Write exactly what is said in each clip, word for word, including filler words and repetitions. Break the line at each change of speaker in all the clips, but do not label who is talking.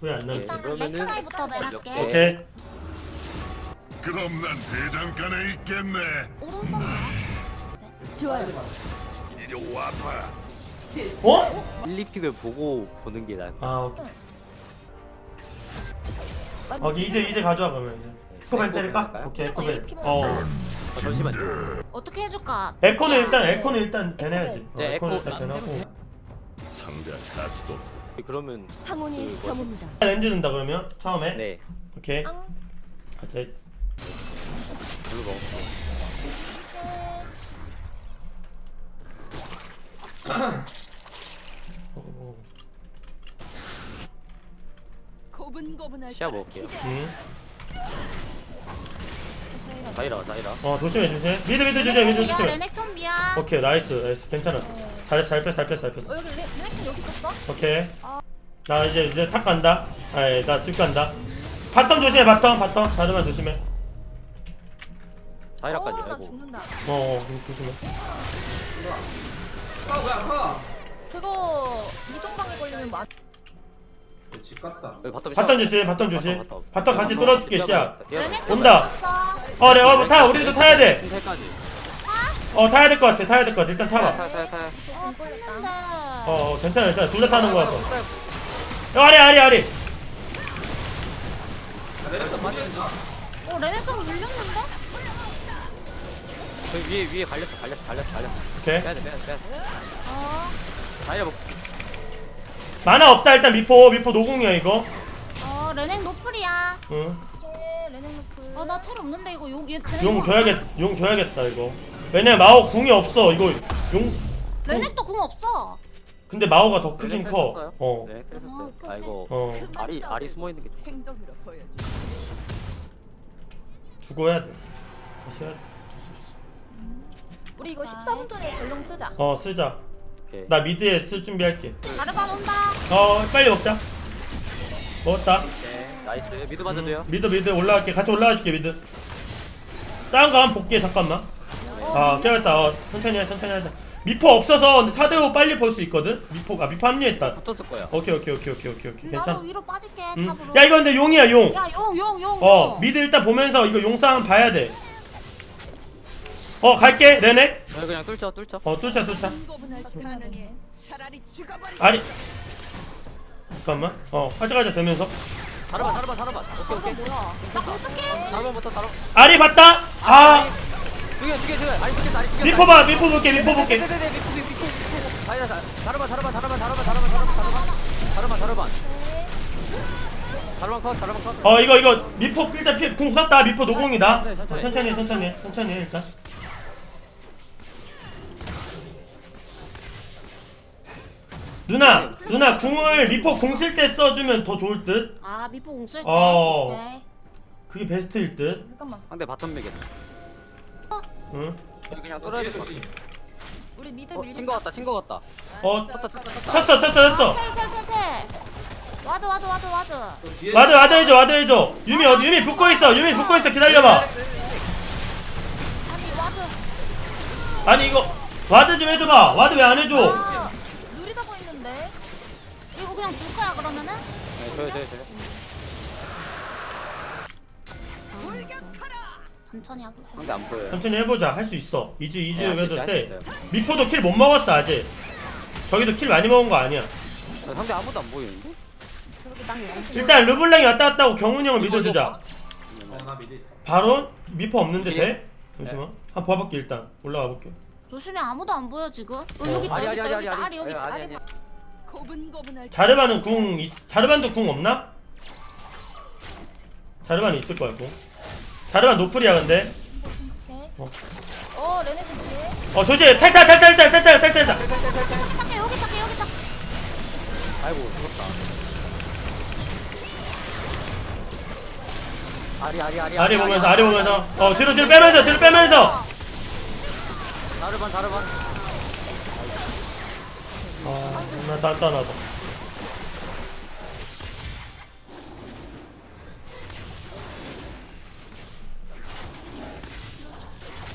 후회 안 나게.
일단
그러면은
렉트라이부터 맨할게.
네.
오케이.
그럼 난 대장간에 있겠네.
오른손이야.
좋아요.
이리 와봐.
어?
일, 이 픽을 보고 보는 게 나을 것
아 오케이. 오케이 이제 이제 가져와 그러면 이제. 에코벤 때릴까? 오케이
이거
에코벤.
에이피
어.
같아요. 아, 잠시만요.
어떻게 해줄까?
에코는
야,
일단
네.
에코는 일단 배내야지. 어,
네,
에코는
에코
일단
안
배내고.
상대 가치도
그러면
항온이
그
저뭅니다.
렌즈 든다 그러면 처음에.
네
오케이.
앙.
가자.
별로 먹었어.
먹어 먹어.
고분고분할
시야 먹을게요.
응.
다이라 다이라.
어 조심해 조심해. 미드 미드 조심해 미드
야
조심해.
레넥톤비야.
오케이 나이스 나이스 괜찮아. 잘했어 잘 뺐어 잘 뺐어 잘 뺐어.
어 여기 레- 레넥톤 여기 있었어?
오케이. 나 이제 이제 탑 간다. 아니 나 집 간다. 바텀 조심해 바텀 바텀 자르만 조심해.
다이라까지.
어, 나
아이고.
죽는다.
어 어, 조심해.
그거 이동방에 걸리면 맞.
집 갔다.
여기 바텀
바텀 조심 바텀 조심. 바텀 같이 뚫어줄게 시야.
레넥톤
온다.
있었어.
어 내가 뭐 타 우리도 타야 돼.
흰색까지.
어 타야 될 것 같아 타야 될 것 같아 일단 타봐.
타타타.
어 걸렸다.
어, 어 괜찮아 괜찮아 둘 다 타는 거라서. 야 아리 아리 아리.
어 레넥톤 밀렸는데?
저기 위에 위에 갈렸어 갈렸어 갈렸어 갈렸어.
오케이.
빼야 돼 빼야 돼 빼야 돼.
어.
다이라 먹.
만화 없다 일단 미포 미포 노공이야 이거.
어 레넥 노플이야.
응.
오케이 레넥 노플. 아나 텔 없는데 이거 용 얘.
용 줘야겠 용 줘야겠다 이거. 왜냐면 마오 궁이 없어 이거 용.
레넥도 공 없어.
근데 마오가 더 크긴
네,
커.
뺐었어요?
어.
네 그랬었어요.
어,
아 이거
어.
알이 알이 숨어 있는 게 좀.
행동으로 보여줘.
죽어야 돼. 다시 해야 돼.
우리 이거 십사 분 전에 전용 쓰자.
어 쓰자.
오케이.
나 미드에 쓸 준비할게.
자르반 온다.
어 빨리 먹자. 먹었다.
네 나이스. 미드 맞아도 돼요.
미드 미드 올라갈게. 같이 올라가줄게 미드. 다른 거 한번 볼게 잠깐만. 아 깨웠다. 어, 천천히 해 천천히 하자. 미포 없어서 근데 사 대 오 빨리 볼 수 있거든. 미포가 미포 합류했다.
붙었을 거야.
오케이 오케이 오케이 오케이 오케이 오케이
나도
괜찮.
위로 빠질게
음.
탑으로.
야 이거 근데 용이야 용.
야용 용 용.
어 미드 일단 보면서 이거 용상 봐야 돼. 어 갈게 네네.
야, 그냥 뚫쳐 뚫쳐.
어 뚫자 뚫자.
고분고분할 가능해. 차라리 죽어버리.
아니 잠깐만. 어 가자 가자 되면서.
다르반 다르반 다르반. 오케이 오케이.
뭐야? 나 공격해.
다르반부터 다르반.
아리 봤다. 아
두개 두 개 두개. 아니 두개 아니 두개.
미포 봐 미포 볼게 미포 볼게.
네네네 미포 미포 미포. 다이라 다르반 다르반 다르반 다르반 다르반 다르반 다르반 다르반 다르반. 다르반 컷 다르반 컷.
어 이거 이거 미포 일단 피, 궁 쐈다 미포 노공이다.
천천히, 천천히.
어, 천천히 해, 천천히 해, 천천히 해, 일단. 누나 누나 궁을 미포 궁 쓸 때 써주면 더 좋을 듯.
아 미포 공쓸 때.
어.
오케이.
그게 베스트일 듯.
잠깐만.
상대 바텀 맥이야.
응.
여기 그냥 뚫어야 될 것 같아.
우리 미드
어,
밀리.
친거 같다 친거 같다.
어
쳤다 쳤다 쳤다.
쳤어 쳤어 쳤어.
텔텔텔텔. 와드 와드 와드 와드.
와드 와드 해줘 와드 해줘. 유미 어디 유미 붙고 있어 유미 붙고 있어 기다려봐.
아니 와드.
아니 이거 와드 좀 해줘봐. 와드 왜 안 해줘?
아, 느리다 보이는데. 이거 그냥 줄 거야 그러면은?
네 저요 저요 저요.
천천히 하고.
상대 안 보여요.
천천히 해보자. 할 수 있어. 이즈 이즈
네,
그래도
할수
세.
있어요, 할수 있어요.
미포도 킬 못 먹었어 아직. 저기도 킬 많이 먹은 거 아니야.
야, 상대 아무도 안 보이는데?
그렇게 난
일단 르블랑이 왔다 갔다 하고 경훈이 형을 믿어주자.
어나 미드 있어.
바론 미포 없는데 돼? 잠시만. 한번 봐볼게 일단. 올라가 볼게.
조심해 아무도 안 보여 지금. 어,
어.
여기 있다
아리
여기
아리
있다
아리
여기 있다
아리
아리 여기 있다
아리
아리.
아리.
고분고분할
자르반은 궁 있- 자르반도 궁 없나? 자르반이 있을 거야 궁. 자르반 노플이야 근데.
오케이.
어.
어 레넥 공지.
어 조지 탈탈 탈탈 탈탈 탈탈 탈탈.
딱해 여기 딱해 여기 딱.
아이고 죽었다. 아리 아리 아리.
아리 보면서 아리 보면서. 어 뒤로 뒤로 빼면서 뒤로 빼면서.
다르반 다르반.
아 정말 단단하다.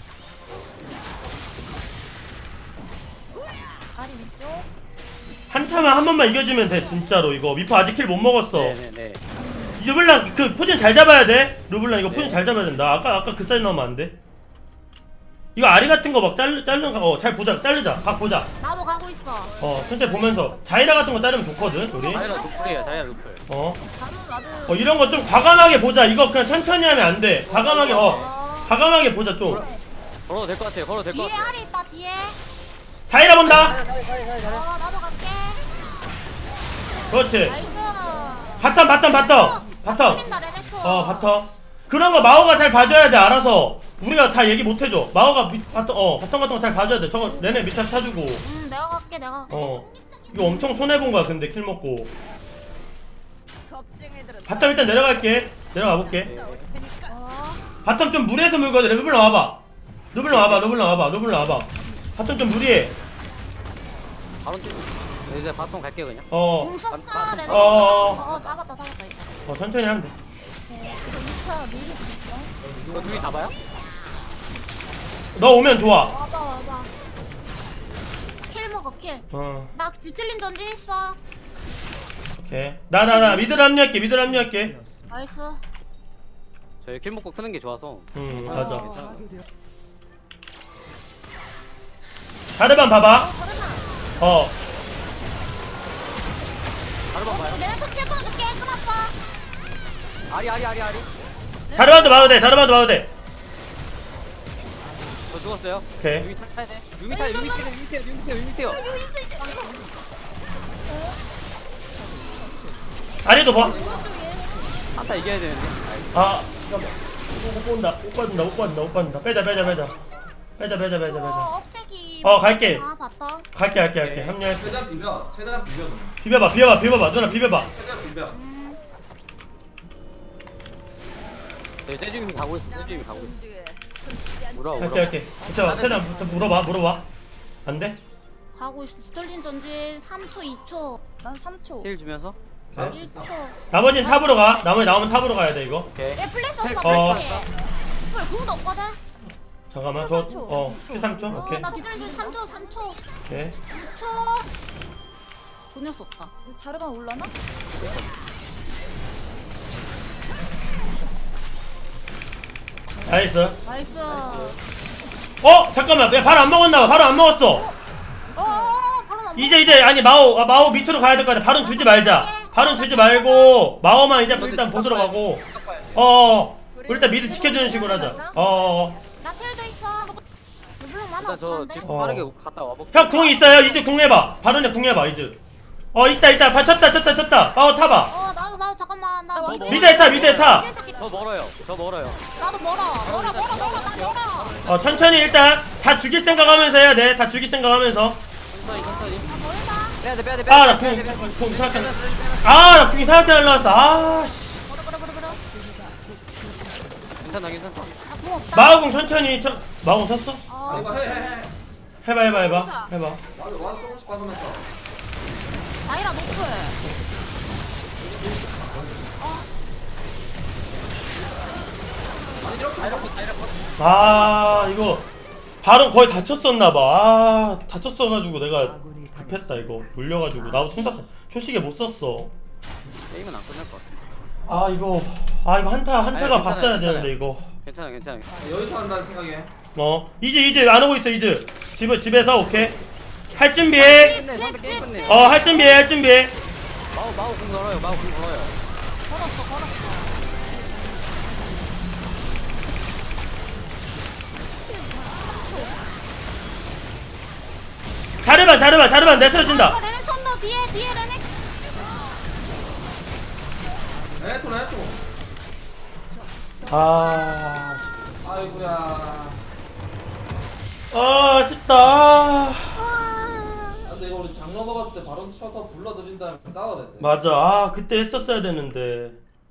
아리 왼쪽.
한쪽 한타만 한 번만 이겨주면 돼 진짜로. 이거 미포 아직 킬 못 먹었어.
네네네.
르블랑 그 포진 잘 잡아야 돼. 르블랑 이거
네.
포진 잘 잡아야 된다. 아까 아까 그 사이즈 나오면 안 돼. 이거 아리 같은 거 막 자르 자르는 거 어 잘 보자. 자르자. 각 보자.
나도 가고 있어.
어 천천히 보면서 자이라 같은 거 자르면 좋거든 우리.
자이라 루플이에요, 자이라 루플.
어.
나도 나도.
어 이런 거 좀 과감하게 보자. 이거 그냥 천천히 하면 안 돼. 과감하게 어 과감하게 보자 좀.
걸어도 될 것 같아요, 걸어도 될 것
뒤에
같아요.
알이 있다 뒤에.
자이라 본다.
어 나도 갈게.
그렇지.
나이스.
바텀 바텀 바텀 바텀.
풀린다 레넥터.
어 바텀. 그런 거 마오가 잘 봐줘야 돼. 알아서. 우리가 다 얘기 못 해줘. 마오가 밑 바텀 어 바텀 같은 거 잘 봐줘야 돼. 저거 내내 밑에 타주고.
음 내가 갈게 내가. 갈게.
어 이거 엄청 손해 본 거야. 근데 킬 먹고.
겁쟁이들은
바텀 일단 내려갈게. 내려가 볼게.
싸울 테니까.
어.
바텀 좀 무리해서 물거든. 르블랑 와봐. 르블랑 와봐. 르블랑 와봐. 르블랑 와봐. 바텀 좀 무리해.
바로 뛰고. 네, 이제 바통 갈게요, 그냥.
어.
공 썼어
아,
레넥터.
어, 어,
어 잡았다 잡았다 이거.
어 천천히 하면 돼.
이거 이 차 미리 있어.
이거 둘이 잡아요?
너 오면 좋아.
와봐 와봐. 킬 먹어 킬.
어.
나 뒤틀린 전지 있어.
오케이. 나 나 나 미드 합류할게. 미드 합류할게.
나이스.
저희 킬 먹고 크는 게 좋아서.
음 맞아.
어.
자르반 봐봐. 어.
바로만 봐요.
레넥터 킬 끊어줄게 끊었어.
아리, 아리, 아리, 아리.
자르반도 봐도 돼. 자르반도 봐도 돼.
저 죽었어요.
오케이.
유미 타야 돼. 유미 타요, 유미 타요, 유미 타요, 유미 타요, 유미 타요.
아리도 봐.
한타 이겨야 되는데.
아. 잠깐만. 못 본다. 못 받는다. 못 받는다. 못 받는다. 빼자 빼자 빼자. 빼자 빼자 빼자 빼자.
어 업체기.
어, 갈게.
아 봤다.
갈게 갈게 갈게. 합류할게.
최대한 비벼. 최대한 비벼. 좀.
비벼봐 비벼봐 비벼봐. 누나 비벼봐.
최대한 비벼.
저희 세주님이 가고 있어, 세주님이 가고 있어.
뒤에 숨지 않-
물어,
갈게
물어.
갈게. 괜찮아. 최대한 부터 물어봐 물어봐. 안 돼?
가고 있어. 뒤틀린 전지 삼 초 이 초. 난 삼 초.
힐 주면서.
네.
일 초.
나머지는 탑으로 가. 나머지 나오면 탑으로 가야 돼 이거.
오케이.
얘 플래시 없어
어.
플래시. 헐 궁도 없거든.
잠깐만
삼
저
초.
어 삼 초 오케이
어나 뒤틀린 전지 삼 초 삼 초.
오케이.
이 초. 돈이 없다. 자르반 올라나?
나이스.
나이스.
어 잠깐만 야 바로 안 먹었나봐. 바로 안 먹었어.
어 바로 나.
이제 이제 아니 마오 아, 마오 밑으로 가야 될 거 같아. 바로 주지 말자. 바로 주지 말고 마오만 이제 일단 보스로 가고. 어 일단 미드 지켜주는 식으로 하자. 어.
나 텔도 있어. 물론 많아
일단 저
없는데.
지금
어.
빠르게 갔다 와볼게요.
형 궁 있어요. 이제 궁 해봐. 바로네 궁 해봐 이제. 어 있다 있다. 바 쳤다 쳤다 쳤다. 마오 타봐.
어 나도 나도 잠깐만 나
뭐,
미드에 타 미드에 타.
저 멀어요, 저 멀어요.
나도 멀어 멀어 멀어 멀어 나 멀어.
어 천천히 일단 다 죽일 생각하면서 해야 돼. 다 죽일 생각하면서.
천천히, 천천히.
나 멀다.
빼야 돼, 빼야 돼,
아
빼야
나
돼, 빼야 돼, 빼야 돼.
궁 궁 생각해. 아나 궁이 생각해 날라왔어. 아 씨.
멀어 멀어 멀어 멀어.
괜찮아, 괜찮아.
나궁 없다.
마오궁 천천히. 천 마오궁 쳤어?
아,
어.
이거 해, 해, 해.
해봐 해봐 해봐 해봐.
와도 와도 조금씩 받으면서.
다이라 노플.
아니 이렇게
다이라코, 다이라코.
아 이거 발은 거의 다쳤었나봐. 아 다쳤어가지고 내가 급했다 이거. 물려가지고 나도 충사 초식에 못 썼어.
게임은 안 끝날 것 같아.
아 이거 아 이거 한타 한타가
아니, 괜찮아요,
봤어야
괜찮아요.
되는데 이거.
괜찮아, 괜찮아.
여기서 한다는 생각에.
어 이제 이제 안 오고 있어 이제. 집에 집에서 오케이. 할 준비해.
끝내, 상대 게임 끝내.
어 할 준비해 할 준비해.
마우, 마우 공 걸어요, 마우 공 걸어요.
걸었어 걸었어.
자르반 자르반 자르반 내 쓰러진다.
어, 레넥 손도 뒤에 뒤에 레넥.
에토 에토.
아
아이고야.
아, 아쉽다.
아.
아, 근데 이거 우리 장로 먹었을 때 바로 쳐서 불러들인 다음에 싸워야 돼.
맞아. 아 그때 했었어야 되는데.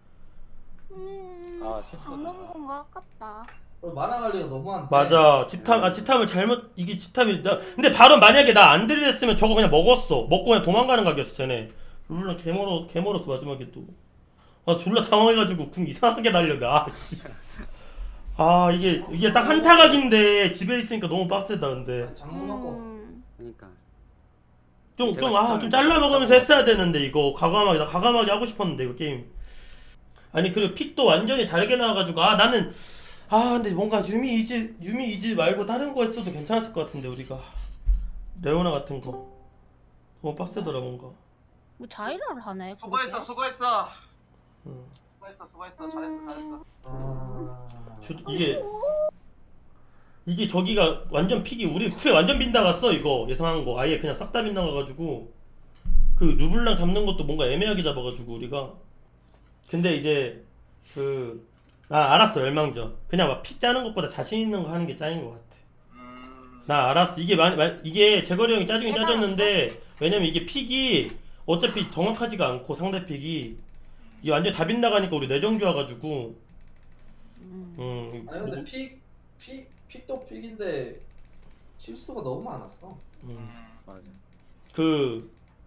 음.
아, 실수.
먹는 건가 아깝다.
그리고 만화 관리가 너무 안 돼.
맞아. 집탐 아 집탐을 잘못 이게 집탐이 나 근데 바로 만약에 나 안 들이댔으면 저거 그냥 먹었어. 먹고 그냥 도망가는 각이었어 쟤네. 물론 개멀어 개멀었어 마지막에 또. 아 졸라 당황해가지고 궁 이상하게 날렸네. 아, 씨. 아 이게 이게 딱 한타각인데 집에 있으니까 너무 빡세다 근데.
장로 먹고.
음.
그러니까.
좀
제가
좀 아 좀
시타를
잘라 먹으면서
못
했어야 되는데 이거 과감하게 나 과감하게 하고 싶었는데 이거 게임. 아니 그리고 픽도 완전히 다르게 나와가지고 아 나는 아 근데 뭔가 유미 이즈 유미 이즈 말고 다른 거 했어도 괜찮았을 것 같은데 우리가 레오나 같은 거 너무 빡세더라 뭔가.
뭐 자이라를 하네.
수고했어
그러게.
수고했어
음.
수고했어 수고했어 잘했어 잘했어.
아...
주, 이게 이게 저기가 완전 픽이 우리 픽 완전 빗나갔어 이거 예상한 거 아예 그냥 싹 다 빗나가가지고 그 르블랑 잡는 것도 뭔가 애매하게 잡아가지고 우리가 근데 이제 그 나 알았어 멸망전 그냥 막 픽 짜는 것보다 자신 있는 거 하는 게 짱인 것 같아.
음
나 알았어 이게 마, 마, 이게 재거리 형이 짜증이 짜졌는데 왜냐면 이게 픽이 어차피 정확하지가 않고 상대 픽이 이게 완전 다 빗나가니까 우리 내정주 와가지고
음.
음
아니 근데
뭐-
픽, 픽, 픽도 픽인데 실수가 너무 많았어.
음.
음.
맞아.
그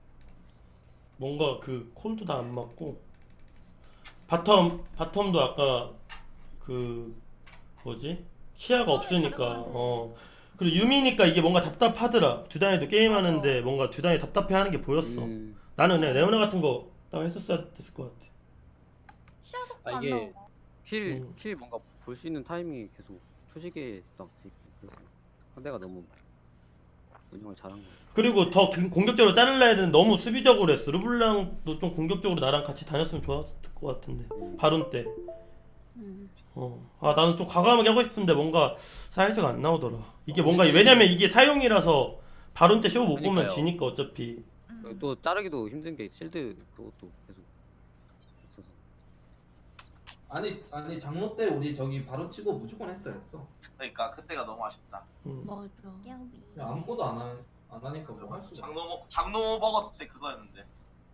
뭔가 그 콜도 다 안 맞고 바텀 바텀도 아까 그 뭐지 시야가 없으니까
다른 건데.
어 그리고 유미니까 이게 뭔가 답답하더라 두단이도 게임하는데 뭔가 두단이 답답해하는 게 보였어.
음,
나는 그냥 레오나 같은 거 딱 했었어야 됐을 것 같아.
시야 속도
아,
안
이게-
나오고.
킬,
음.
킬 뭔가 볼 수 있는 타이밍이 계속 초시계 딱 돼 있고 그래서 상대가 너무 운영을 잘한 거.
그리고 더 공- 공격적으로 자르려 했는데 너무 수비적으로 했어. 르블랑도 좀 공격적으로 나랑 같이 다녔으면 좋았을 것 같은데 바론 때.
음.
어. 아 나는 좀 과감하게 하고 싶은데 뭔가 사이즈가 안 나오더라. 이게 뭔가 왜냐면 이게 사용이라서 바론 때 쇼 못 보면
그러니까요.
지니까 어차피.
음.
또 자르기도 힘든 게 실드 그것도 계속 있어서.
아니 아니 장로 때 우리 저기 바로 치고 무조건 했어야 했어.
그러니까 그때가 너무 아쉽다.
음.
맞아.
그냥 아무것도 안, 하, 안 하니까 뭐 할 수가 없어.
장로 먹 장로 먹었을 때 그거였는데.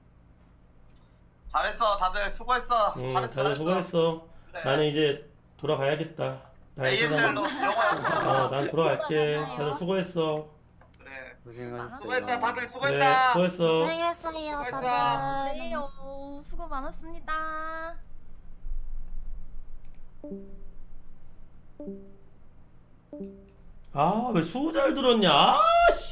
잘했어 다들 수고했어.
음,
잘했어
다들 수고했어.
그래.
나는 이제 돌아가야겠다. 나의
에이에스엘로
세상.
영화야.
어, 난 돌아갈게. 다들 수고했어.
그래.
고생하셨어요.
수고했다 다들
그래,
수고했다.
수고했어.
고생했어요,
수고했어.
다들. 네, 어, 수고 많았습니다.
아, 왜 수호 잘 들었냐? 아, 씨.